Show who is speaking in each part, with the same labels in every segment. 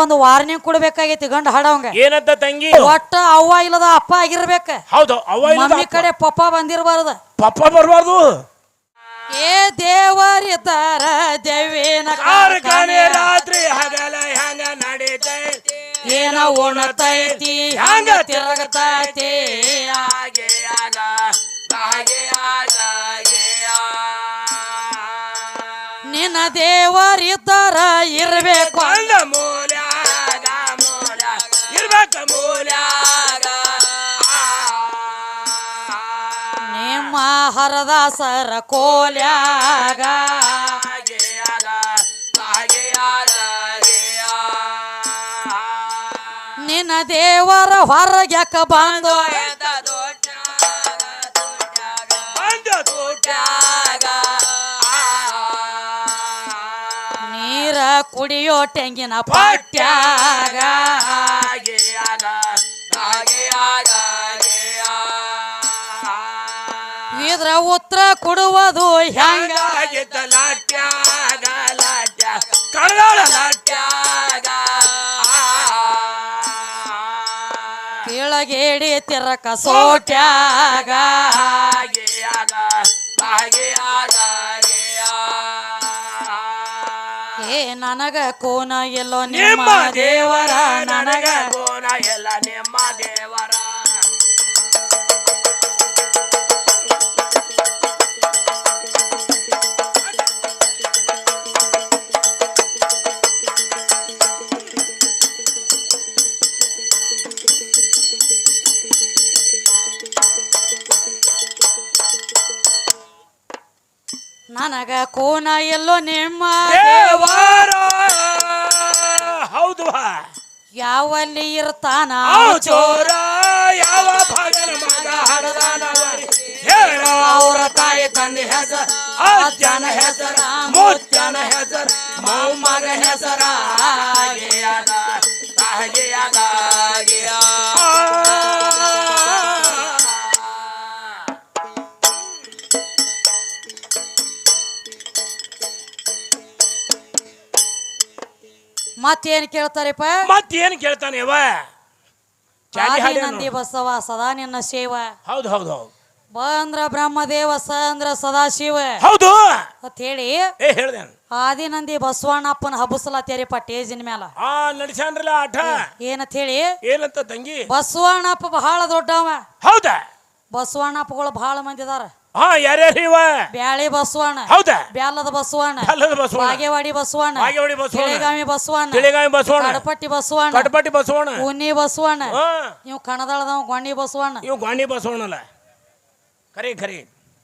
Speaker 1: ಒಂದು ವಾರ್ನಿಂಗ್ ಕೊಡ್ಬೇಕಾಗೈತಿ ಗಂಡ ಹಾಡವಂಗ.
Speaker 2: ಏನಂತ ತಂಗಿ?
Speaker 1: ಒಟ್ಟ ಅವ್ವ ಇಲ್ಲದ ಅಪ್ಪ ಆಗಿರ್ಬೇಕ.
Speaker 2: ಹೌದು, ಅವ್ವ
Speaker 1: ಮಮ್ಮಿ ಕಡೆ ಪಪ್ಪ ಬಂದಿರಬಾರ್ದ.
Speaker 2: ಪಪ್ಪ ಬರ್ಬಾರ್ದು.
Speaker 1: ಏ ದೇವರಿದ್ದಾರ ದೇವಿನ
Speaker 2: ಕಾರ್ಖಾನೆ ರಾತ್ರಿ ಹಗಲ ಹಂಗ ನಡೀತೈತಿ,
Speaker 1: ಏನ ಉಣತೈತಿ ಹಂಗ ತಿರುಗತೈತಿ.
Speaker 2: ಹಾಗೆ ಆಗ ಹಾಗೆ ಆಗ
Speaker 1: ನಿನ್ನ ದೇವರಿದ್ದಾರ ಇರ್ಬೇಕು
Speaker 2: ಅಂದ ಮೂಲ್ಯಾಗ ಇರ್ಬೇಕ ಮೂಲ್ಯಾಗ.
Speaker 1: ನಿಮ್ಮ ಹರದಾಸರ ಕೋಲ್ಯಾಗ ನಿನ್ನ ದೇವರ ಹೊರಗ್ಯಾಕ ಬಂದು ನೀರ ಕುಡಿಯೋ ತೆಂಗಿನ ಪಾಟ್ಯಾಗ ಇದ್ರ ಉತ್ತರ ಕೊಡುವುದು ಹೆಂಗ ಕೆಳಗೇಡಿ ತಿರಕ ಸೋಟ್ಯಾಗ ಏ ನನಗ ಕೋನ ಎಲ್ಲೋ ನಿಮ್ಮ ದೇವರ, ನನಗ
Speaker 2: ಕೋನ ಎಲ್ಲ ನಿಮ್ಮ ದೇವರ.
Speaker 1: ನನಗ ಕೋನ ಎಲ್ಲೋ ನಿಮ್ಮ
Speaker 2: ದೇವರ. ಹೌದು,
Speaker 1: ಯಾವಲ್ಲಿ ಇರ್ತಾನ
Speaker 2: ಚೋರ, ಯಾವ ಭಾಗನ ಮಗ ಹಡದಾನವರಿ ಹೇಳ. ಅವರ ತಾಯಿ ತಂದೆ ಹೆಸರ, ಅಜ್ಜನ ಹೆಸರ, ಮುತ್ತನ ಹೆಸರ, ಮೊಮ್ಮಗ ಹೆಸರ
Speaker 1: ಮತ್ತೇನ್ ಕೇಳ್ತಾರಪ್ಪ?
Speaker 2: ಮತ್ತೇನ್ ಕೇಳ್ತಾನೆ ಇವ?
Speaker 1: ನಂದಿ ಬಸವ ಸದಾ ನಿನ್ನ ಸೇವ.
Speaker 2: ಹೌದು ಹೌದು ಹೌದು.
Speaker 1: ಬಂದ್ರ ಬ್ರಹ್ಮದೇವ ಸ ಅಂದ್ರ ಸದಾಶಿವ.
Speaker 2: ಹೌದು
Speaker 1: ಅಂತ ಹೇಳಿ
Speaker 2: ಹೇಳ್ದೆ.
Speaker 1: ಆದಿನಂದಿ ಬಸವಣ್ಣಪ್ಪನ ಹಬ್ಬಸಲಾತ್ಯಾರಿಪ್ಪ ಟೇಜಿನ ಮ್ಯಾಲ.
Speaker 2: ನಡ್ಸ್ಯಾನ್ರಲ್ಲ ಆಟ.
Speaker 1: ಏನಂತ ಹೇಳಿ?
Speaker 2: ಏನಂತ ತಂಗಿ?
Speaker 1: ಬಸವಣ್ಣಪ್ಪ ಬಹಳ ದೊಡ್ಡವ.
Speaker 2: ಹೌದಾ?
Speaker 1: ಬಸವಣ್ಣಪ್ಪಗಳು ಬಹಳ ಮಂದಿ ಅದಾರ.
Speaker 2: ಯಾರ್ಯಾರು ಇವ?
Speaker 1: ಬ್ಯಾಳಿ ಬಸವಣ್ಣ,
Speaker 2: ಹೌದಾ?
Speaker 1: ಬ್ಯಾಲದ ಬಸವಣ್ಣ, ಬಾಗೇವಾಡಿ ಬಸವಣ್ಣ, ತಿಳಿಗಾಮಿ ಬಸವಣ್ಣ, ಕಡಪಟ್ಟಿ ಬಸವಣ್ಣ,
Speaker 2: ಕಡಪಟ್ಟಿ ಬಸವಣ್ಣ,
Speaker 1: ಉನ್ನಿ ಬಸವಣ್ಣ, ಇವ್ ಕಣದಾಳದವ ಗೊಂಡಿ ಬಸವಣ್ಣ,
Speaker 2: ಇವ್ ಗೊಂಡಿ ಬಸವಣ್ಣಲ್ಲ. ಖರಿ ಖರಿ.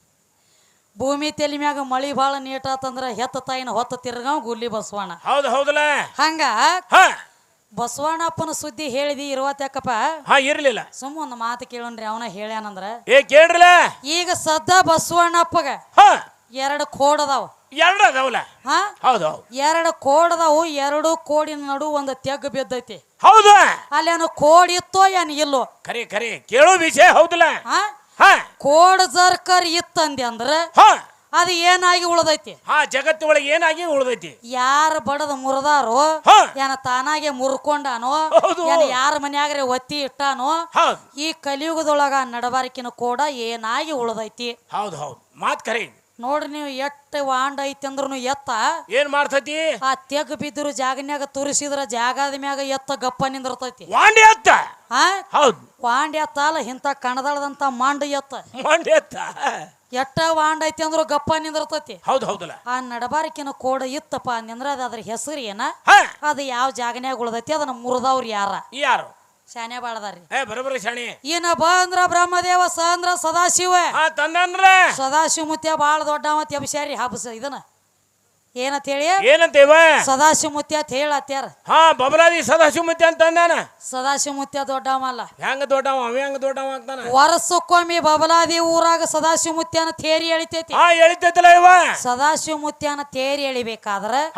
Speaker 1: ಭೂಮಿ ತೆಲಿ ಮ್ಯಾಗ ಮಳಿ ಬಾಳ ನೀಟಾತಂದ್ರ ಹೆತ್ತ ತಾಯಿನ ಹೊತ್ತ ತಿರ್ಗಾವ್ ಗುಲ್ಲಿ ಬಸವಣ್ಣ.
Speaker 2: ಹೌದು ಹೌದಲ್ಲ.
Speaker 1: ಹಂಗ ಬಸವಣ್ಣಪ್ಪನ ಸುದ್ದಿ ಹೇಳಿದಿ ಇರುವತ್ತಕ್ಕಪ್ಪ.
Speaker 2: ಇರ್ಲಿಲ್ಲ.
Speaker 1: ಸುಮ್ಮ ಒಂದು ಮಾತು ಕೇಳೋಣ್ರಿ, ಅವನ ಹೇಳ್ಯಾನಂದ್ರ
Speaker 2: ಕೇಳ್ರಲ್ಲ.
Speaker 1: ಈಗ ಸದ್ದ ಬಸವಣ್ಣಪ್ಪಗ 2 ಕೋಡ್ ಅದಾವ.
Speaker 2: 2 ಅದಾವಲ್ಲ? ಹೌದು.
Speaker 1: 2 ಕೋಡ್ ಅದಾವು. 2 ಕೋಡಿನ ನಡು ಒಂದು ತೆಗ್ ಬಿದ್ದೈತಿ.
Speaker 2: ಹೌದು.
Speaker 1: ಅಲ್ಲಿ ಏನು ಕೋಡ್ ಇತ್ತೋ ಏನ್ ಇಲ್ಲೋ?
Speaker 2: ಖರಿ ಖರಿ ಕೇಳೋ ವಿಷಯ ಹೌದಲ್ಲ.
Speaker 1: ಕೋಡ್ ಜರ್ಕರ್ ಇತ್ತಂದಿ ಅಂದ್ರ ಅದು ಏನಾಗಿ ಉಳ್ದೈತಿ?
Speaker 2: ಜಗತ್ತು ಒಳಗೆ ಏನಾಗಿ ಉಳ್ದೈತಿ?
Speaker 1: ಯಾರ ಬಡದ ಮುರಿದಾರೋ, ಏನ ತಾನಾಗೆ ಮುರ್ಕೊಂಡಾನೋ, ಏನ ಯಾರ ಮನ್ಯಾಗ್ರೆ ಒತ್ತಿ ಇಟ್ಟಾನೋ, ಈ ಕಲಿಯುಗದೊಳಗ ನಡಬಾರಿಕಿನ ಕೋಡ ಏನಾಗಿ ಉಳ್ದೈತಿ.
Speaker 2: ಹೌದು ಹೌದು, ಮಾತ್ ಖರಿ.
Speaker 1: ನೋಡ್ರಿ ನೀವು ಎಷ್ಟ ವಾಂಡ ಐತಿ ಅಂದ್ರೂ ಎತ್ತ
Speaker 2: ಏನ್ ಮಾಡ್ತೈತಿ?
Speaker 1: ಆ ತೆಗ್ ಬಿದ್ರು ಜಾಗನ್ಯಾಗ ತುರಿಸಿದ್ರ ಜಾಗದ ಮ್ಯಾಗ ಎತ್ತ ಗಪ್ಪ ನಿಂದಿರ್ತೈತಿ.
Speaker 2: ವಾಂಡಿ ಎತ್ತ. ಹೌದು,
Speaker 1: ವಾಂಡಿ ಎತ್ತ ಅಲ್ಲ, ಇಂತ ಕಣದಾಳದಂತ ಮಾಂಡ ಎತ್ತ.
Speaker 2: ವಾಂಡಿ ಎತ್ತ
Speaker 1: ಎಟ್ಟ ವಾಂಡ ಐತಿ ಅಂದ್ರು ಗಪ್ಪ ನಿಂದಿರ್ತೈತಿ.
Speaker 2: ಹೌದು ಹೌದಲ್ಲ.
Speaker 1: ಆ ನಡಬಾರಿಕಿನ ಕೋಡ ಇತ್ತಪ್ಪ ನಿಂದ್ರ ಅದ್ರ ಹೆಸರು ಏನ? ಅದು ಯಾವ ಜಾಗನ್ಯಾಗ ಉಳ್ದೈತಿ, ಅದನ್ನ ಮುರಿದವ್ರು ಯಾರು? ಶಾನೆ ಬಾಳದಾರಿ.
Speaker 2: ಬರೋಬರಿ ಶಾಣಿ.
Speaker 1: ಏನ ಬ ಅಂದ್ರ ಬ್ರಹ್ಮದೇವ, ಸ ಅಂದ್ರ ಸದಾಶಿವ.
Speaker 2: ತಂದನ್ರ
Speaker 1: ಸದಾಶಿವ ಮುತ್ಯ ಬಾಳ ದೊಡ್ಡವತ್ ಅಭಿಷಾರಿ ಹಬ್ಬಸ ಇದನ್ನ ಏನಂತ ಹೇಳಿ?
Speaker 2: ಏನಂತೇವ?
Speaker 1: ಸದಾಶಿವ ಮುತ್ಯ ಅಂತ ಹೇಳತ್ಯಾರ.
Speaker 2: ಬಬಲಾದಿ ಸದಾಶಿವ ಮುತ್ಯ ಅಂತ ಅಂದಾನ.
Speaker 1: ಸದಾಶಿವ ಮುತ್ಯ ದೊಡ್ಡವ ಅಲ್ಲ.
Speaker 2: ಹೆಂಗ ದೊಡ್ಡವ? ಅವ ಹೆಂಗ ದೊಡ್ಡವ ಆಗ್ತಾನ?
Speaker 1: ವರ್ಷಕ್ಕೊಮ್ಮೆ ಬಬಲಾದಿ ಊರಾಗ ಸದಾಶಿವ ಮುತ್ಯನ ತೇರಿ ಎಳಿತೈತಿ.
Speaker 2: ಎಳಿತೈತಲ್ಲ ಇವ.
Speaker 1: ಸದಾಶಿವ ಮುತ್ಯನ ತೇರಿ ಎಳಿಬೇಕಾದ್ರ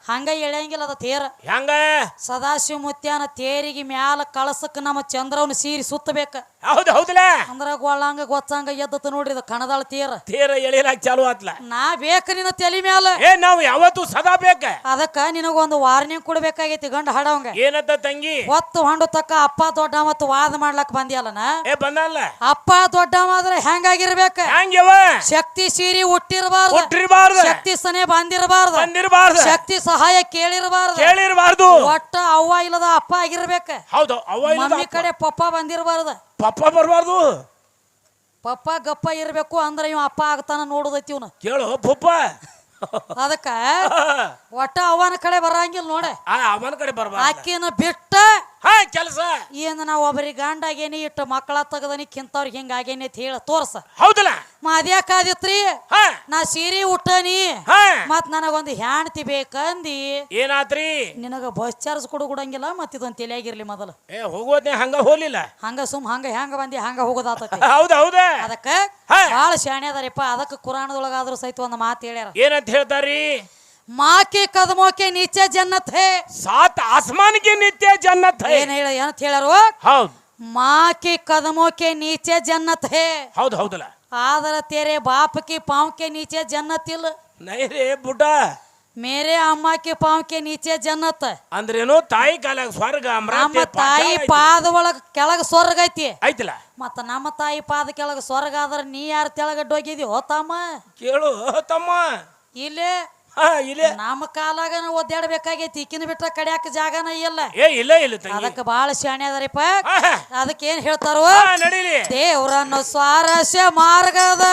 Speaker 1: ಹಂಗ ಎಳೆಯಂಗಿಲ್ಲ ಅದ ತೇರ
Speaker 2: ಹೆಂಗ
Speaker 1: ಸದಾಶಿವ ಮುತ್ಯಾನ ತೇರಿಗೆ ಮ್ಯಾಲ ಕಳಸಕ್ ನಮ್ಮ ಚಂದ್ರವನ್ನ ಸೀರಿ ಸುತ್ತಬೇಕ
Speaker 2: ಹೌದು ಹೌದಲ್ಲ
Speaker 1: ಅಂದ್ರ ಗೊಳ್ಳಂಗ ಗೊತ್ತಂಗ ಎದ್ದತ ನೋಡ್ರಿ ಇದು ಕಣದಾಳ
Speaker 2: ತೇರ ಎಳಿಲಾಕ ಚಾಲು ಆತ್ಲ
Speaker 1: ನಾ ಬೇಕ ನಿನ್ನ ತಲೆ ಮ್ಯಾಲ
Speaker 2: ನಾವು ಯಾವತ್ತು ಸದಾ ಬೇಕ
Speaker 1: ಅದಕ್ಕ ನಿನಗೊಂದು ವಾರ್ನಿಂಗ್ ಕೊಡ್ಬೇಕಾಗೈತಿ ಗಂಡ ಹಾಡವಂಗ
Speaker 2: ಏನಂತ ತಂಗಿ
Speaker 1: ಒತ್ತು ಹೊಂಡು ತಕ್ಕ ಅಪ್ಪ ದೊಡ್ಡ ಮತ್ತು ವಾದ ಮಾಡ್ಲಕ್ ಬಂದಿಯಲ್ಲನ
Speaker 2: ಬಂದಲ್ಲ
Speaker 1: ಅಪ್ಪ ದೊಡ್ಡವ ಆದ್ರೆ ಹೆಂಗಾಗಿರ್ಬೇಕ
Speaker 2: ಹೆಂಗ್ಯವ
Speaker 1: ಶಕ್ತಿ ಸೀರಿ
Speaker 2: ಹುಟ್ಟಿರಬಾರ್ದು
Speaker 1: ಶಕ್ತಿ ಸನೆ ಬಂದಿರಬಾರ್ದು ಶಕ್ತಿ ಸಹಾಯ
Speaker 2: ಕೇಳಿರಬಾರ್ದು
Speaker 1: ಒಟ್ಟ ಅವ್ವ ಇಲ್ಲದ ಅಪ್ಪ ಆಗಿರ್ಬೇಕ
Speaker 2: ಹೌದು ಅವ್ವ
Speaker 1: ಮಮ್ಮಿ ಕಡೆ ಪಪ್ಪ ಬಂದಿರಬಾರ್ದು
Speaker 2: ಪಪ್ಪ ಬರಬಾರ್ದು
Speaker 1: ಪಪ್ಪ ಗಪ್ಪ ಇರ್ಬೇಕು ಅಂದ್ರ ಇವ ಅಪ್ಪ ಆಗ್ತಾನ ನೋಡುದೈತಿ ಇವ್ನ
Speaker 2: ಕೇಳು ಪಪ್ಪ
Speaker 1: ಅದಕ್ಕ ಒಟ್ಟ ಅವನ ಕಡೆ ಬರಂಗಿಲ್ಲ ನೋಡ
Speaker 2: ಅವನ ಕಡೆ ಬರಬಾರ್ದು
Speaker 1: ಆಕಿನ ಬಿಟ್ಟ
Speaker 2: ಕೆಲಸ
Speaker 1: ಏನ ನಾವ್ ಒಬ್ಬರಿಗೆ ಗಂಡ ಆಗೇನಿ ಇಟ್ಟು ಮಕ್ಕಳ ತಗದನಿ ಕಿಂತವ್ರಿಗೆ ಹಿಂಗ ಆಗೇನಿ ಅಂತ ಹೇಳ ತೋರ್ಸ
Speaker 2: ಹೌದಲ್ಲ
Speaker 1: ಮದ್ಯಾಕಾದಿತ್ರಿ ನಾ ಸೀರೆ ಉಟ್ಟನಿ ಮತ್ ನನಗೊಂದು ಹೆಣ್ತಿ ಬೇಕಂದಿ
Speaker 2: ಏನಾತ್ರಿ
Speaker 1: ನಿನಗ ಬಸ್ ಚಾರ್ಜ್ ಕೊಡಂಗಿಲ್ಲ ಮತ್ ಇದೊಂದ್ ತಲೆಯಾಗಿರ್ಲಿ ಮೊದಲು
Speaker 2: ಹೋಗೋದ್ನೇ ಹಂಗ ಹೋಗ್ಲಿಲ್ಲ
Speaker 1: ಹಂಗ ಹೆಂಗ ಬಂದಿ ಹಂಗ ಹೋಗೋದಾತತಿ
Speaker 2: ಹೌದ
Speaker 1: ಅದಕ್ಕ ಬಾಳ ಶಾಣೆ ಅದಾರಿಪ್ಪ ಅದಕ್ಕ ಕುರಾಣದೊಳಗಾದ್ರೂ ಸಹಿತ ಒಂದು ಮಾತು ಹೇಳ್ಯಾರ
Speaker 2: ಏನಂತ ಹೇಳ್ತಾರಿ
Speaker 1: माँ के कदमों के नीचे जन्नत है
Speaker 2: सात आसमान के नीचे जन्नत है
Speaker 1: हौद माँ के कदमों के नीचे जन्नत है
Speaker 2: हौद हौदला
Speaker 1: आदर तेरे बाप के पाँव के नीचे जन्नत इल
Speaker 2: नहीं रे बुड्ढा
Speaker 1: मेरे अम्मा के पाँव के नीचे जन्नत
Speaker 2: अंद्रेनो ताई कालग स्वर्ग
Speaker 1: ನಮ್ಮ ತಾಯಿ ಪಾದ ಒಳಗ ಕೆಳಗ ಸ್ವರ್ಗ ಐತಿ
Speaker 2: ಐತಲ್ಲ
Speaker 1: ಮತ್ತ ನಮ್ಮ ತಾಯಿ ಪಾದ ಕೆಳಗ ಸ್ವರ್ಗ ಆದ್ರ ನೀ ಯಾರ ತೆಳಗಡ್ಡೋಗಿದಿ ಹೋತಮ್ಮ
Speaker 2: ಕೇಳು ತಮ್ಮ
Speaker 1: ಇಲ್ಲೇ ನಮ್ಮ ಕಾಲಾಗ ಒದ್ದಾಡಬೇಕಾಗೈತಿ ಈಕಿನ ಬಿಟ್ಟ ಕಡ್ಯಾಕ ಜಾಗನ ಇಲ್ಲ ಅದಕ್ಕ ಬಾಳ ಶಾಣೆ ಅದಾರಿಪ್ಪ ಅದಕ್ಕೆ ಏನ್ ಹೇಳ್ತಾರೋ ದೇವ್ರನ್ನು ಸ್ವಾರಸ್ಯ ಮಾರ್ಗದ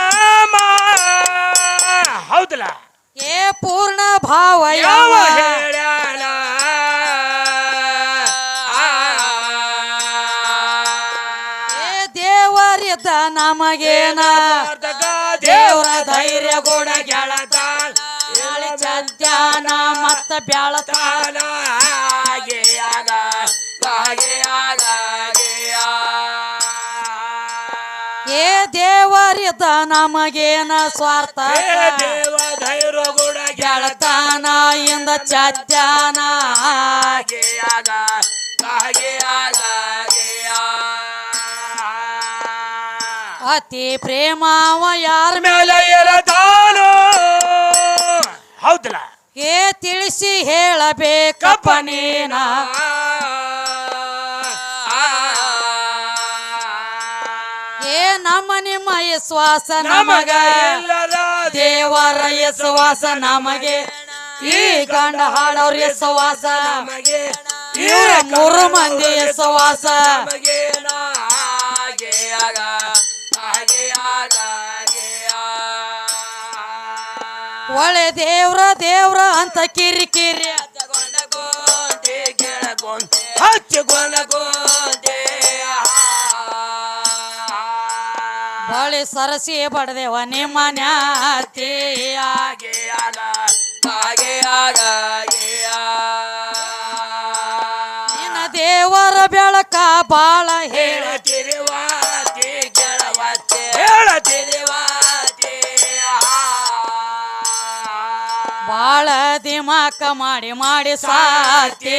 Speaker 2: ಹೌದಲ್ಲ
Speaker 1: ಏ ಪೂರ್ಣ ಭಾವ ಯಾವ ದೇವರಿದ್ದ ನಮಗೇನ ದೇವರ ಧೈರ್ಯ ಕೂಡ ಗೆಳತಾಳ ಸತ್ಯಾನ ಮತ್ತ ಬ್ಯಾಳತಾಳ ಏ ದೇವರಿದ್ದ ನಮಗೇನ ಸ್ವಾರ್ಥ
Speaker 2: ದೇವ ಧೈರ್ಯ ಕೂಡ
Speaker 1: ಗೆಳತಾನ ಇಂದ ಸತ್ಯಾನ ಅತಿ ಪ್ರೇಮವ ಯಾರ ಮೇಲೆ
Speaker 2: ಇರತಾನೋ ಹೌದಲ್ಲ
Speaker 1: ಏ ತಿಳಿಸಿ ಹೇಳಬೇಕಪ್ಪ ನೀನ ಏ ನಮ್ಮ ನಿಮ್ಮ ವಿಶ್ವಾಸ ನಮಗ ದೇವರ ವಿಶ್ವಾಸ ನಮಗೆ ಈ ಗಂಡ ಹಾಡೋರ್ ವಿಶ್ವಾಸ ಇವ್ರ ಮೂರು ಮಂದಿ ವಿಶ್ವಾಸ ಒಳ್ಳೆ ದೇವ್ರ ಅಂತ ಕಿರಿಕಿರಿ ಬಳಿ ಸರಸಿ ಬಡದೇವ ನಿಮ್ಮ ನಿನ್ನ ದೇವರ ಬೆಳಕ ಬಾಳ ಬಾಳ ದಿಮಾಕ ಮಾಡಿ ಸಾತಿ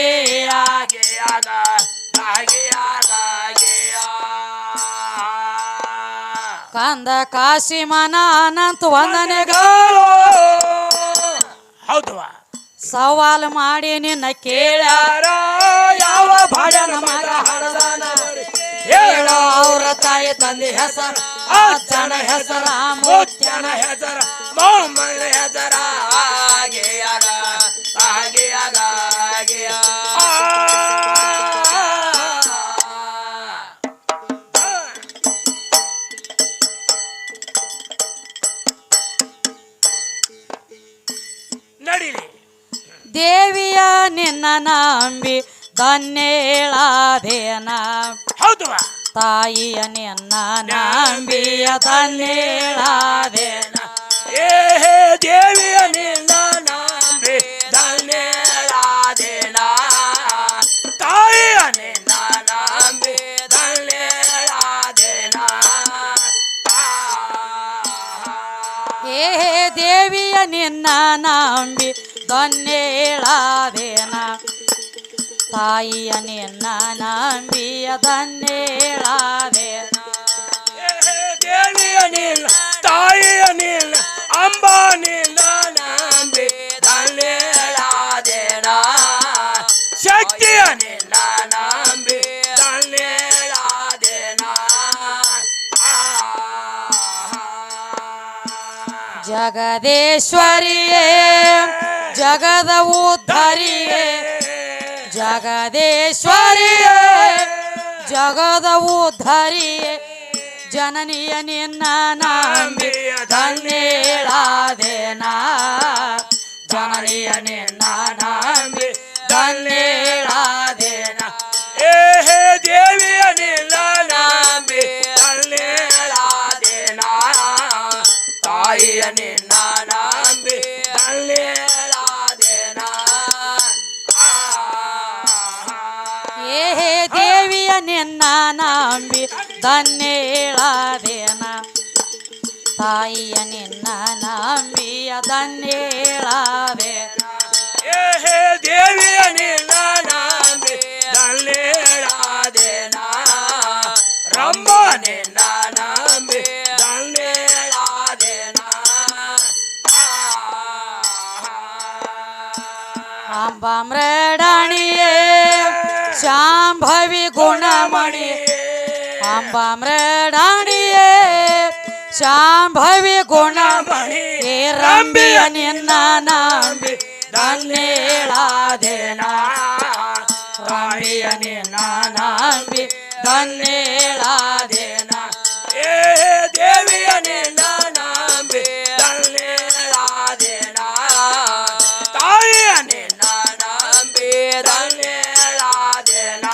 Speaker 1: ಕಂದ ಕಾಶಿ ಮನ ಅನಂತ ವಂದನೆಗಳು
Speaker 2: ಹೌದು
Speaker 1: ಸವಾಲ್ ಮಾಡಿ ನಿನ್ನ ಕೇಳ್ಯಾರ
Speaker 2: ಯಾವ
Speaker 1: ಭಜನ ಮಗ ಹಡದಾನ ಹೇಳೋ ಅವ್ರ ತಾಯಿ ತಂದೆ ಹೆಸರ ಅಜ್ಜನ ಹೆಸರ ಮುತ್ಯನ
Speaker 2: ಹೆಸರ ಮೊಮ್ಮನ ಹೆಸರ ನಡೀಲಿ
Speaker 1: ದೇವಿಯ ನಿನ್ನ ನಂಬಿ ಧನ್ಯೇಳಾದೇನ
Speaker 2: ಹೌದು
Speaker 1: ತಾಯಿಯ ನಿನ್ನ ನಂಬಿಯ ಧನ್ಯೇಳಾದೇನ
Speaker 2: ಏ ದೇವಿಯ ನಿನ್ನ ನಂಬಿ ಧನ್ಯೇಳಾದೇನ ತಾಯಿಯ ನಿನ್ನ ನಂಬಿ ಧನ್ಯೇಳಾದೇನ
Speaker 1: ಏ ದೇವಿಯ ನಿನ್ನ ನಂಬಿ ಧನ್ಯೇಳಾದೇನ ತಾಯಿಯ ನಿನ್ನ ನಂಬಿಯ ಧನ್ಯೇಳಾದೇನ
Speaker 2: ದೇವಿಯ ನಿನ್ನ ತಾಯಿಯ ನಿನ್ನ ಅಂಬ ನಿನ್ನ ನಂಬಿ ಧನ್ಯಳಾದೇನ ಶಕ್ತಿಯ ನಿನ್ನ ನಂಬಿ ಧನ್ಯಳಾದೇನ
Speaker 1: ಜಗದೇಶ್ವರಿಯೇ ಜಗದ ಉದ್ಧರಿಯೇ ಜಗದೇಶ್ವರಿಯೇ ಜಗದ ಉದ್ಧರಿಯೇ ಜನನಿಯ ನಿನ್ನ ನಂಬಿ ಧನ್ಯಳಾದೇನ ಜನನಿಯ ನಿನ್ನ ನಂಬಿ ಧನ್ಯಳಾದೇನ
Speaker 2: ಹೇ ದೇವಿಯ ನಿನ್ನ ನಂಬಿ ಧನ್ಯಳಾದೇನ ತಾಯಿಯ ನಿನ್ನ ನಂಬಿ ಧನ್ಯಳಾದೇನ
Speaker 1: ಏ ದೇವಿಯ ನಿನ್ನ ನಂಬಿ ಧನ್ಯಳಾದೇನ ತಾಯಿಯ ನಿನ್ನ ನಂಬಿಯ ಧನ್ಯಳಾದೇನ
Speaker 2: ಹೇ ದೇವಿಯ ನಿನ್ನ ನಂಬಿ ಧನ್ಯಳಾದೇನ ರಂಭ ನಿನ್ನ ನಂಬಿ ಧನ್ಯಳಾದೇನ
Speaker 1: ಅಂಬಾಮ್ರಡಾಣಿಯೇ ಶಾಂಭವಿ ಗುಣಮಣಿ ಅಂಬಾಮ್ರಡಾಣಿಯೇ ಶಾಂಭವಿ ಗುಣಮಣಿ ಏ ರಂಬಿಯ ನಿನ್ನ ನಂಬಿ ಧನ್ಯಳಾದೇನ ರಂಬಿಯ ನಿನ್ನ ನಂಬಿ ಧನ್ಯಳಾದೇನ
Speaker 2: ಹೇ ದೇವಿಯ ನಿನ್ನ ನಂಬಿ ಧನ್ಯಳಾದೇನ ತಾಯಿಯ ನಿನ್ನ ನಂಬಿ ಧನ್ಯಳಾದೇನ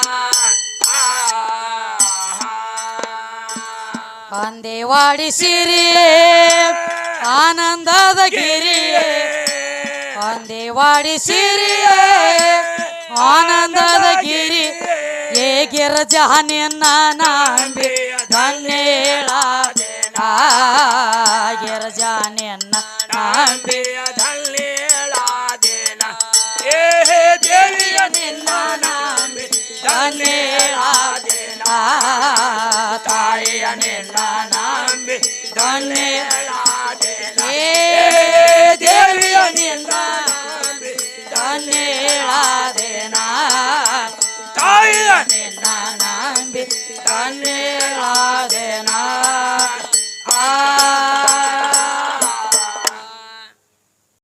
Speaker 1: ಅಂದೇವಾಡಿ ಸಿರಿಯೇ ಆನಂದದ ಗಿರಿಯೇ ಅಂದೇವಾಡಿ ಸಿರಿಯೇ ಆನಂದದ ಗಿರಿ ಏ ಗಿರಜಾ ನಿನ್ನ ನಂಬಿ ಧನ್ಯಳಾದೇನ ಗಿರಜಾ ನಿನ್ನ ನಂಬಿ
Speaker 2: ಧನ್ಯಳಾದೇನ ಹೇ ದೇವಿಯ ನಿನ್ನ ನಂಬಿ ಧನ್ಯಳಾದೇನ ತಾಯಿಯ ನಿನ್ನ ನಂಬಿ ಧನ್ಯಳಾದೇನ
Speaker 1: ಏ
Speaker 2: ದೇವಿಯ ನಿನ್ನ ನಂಬಿ
Speaker 1: ಧನ್ಯಳಾದೇನ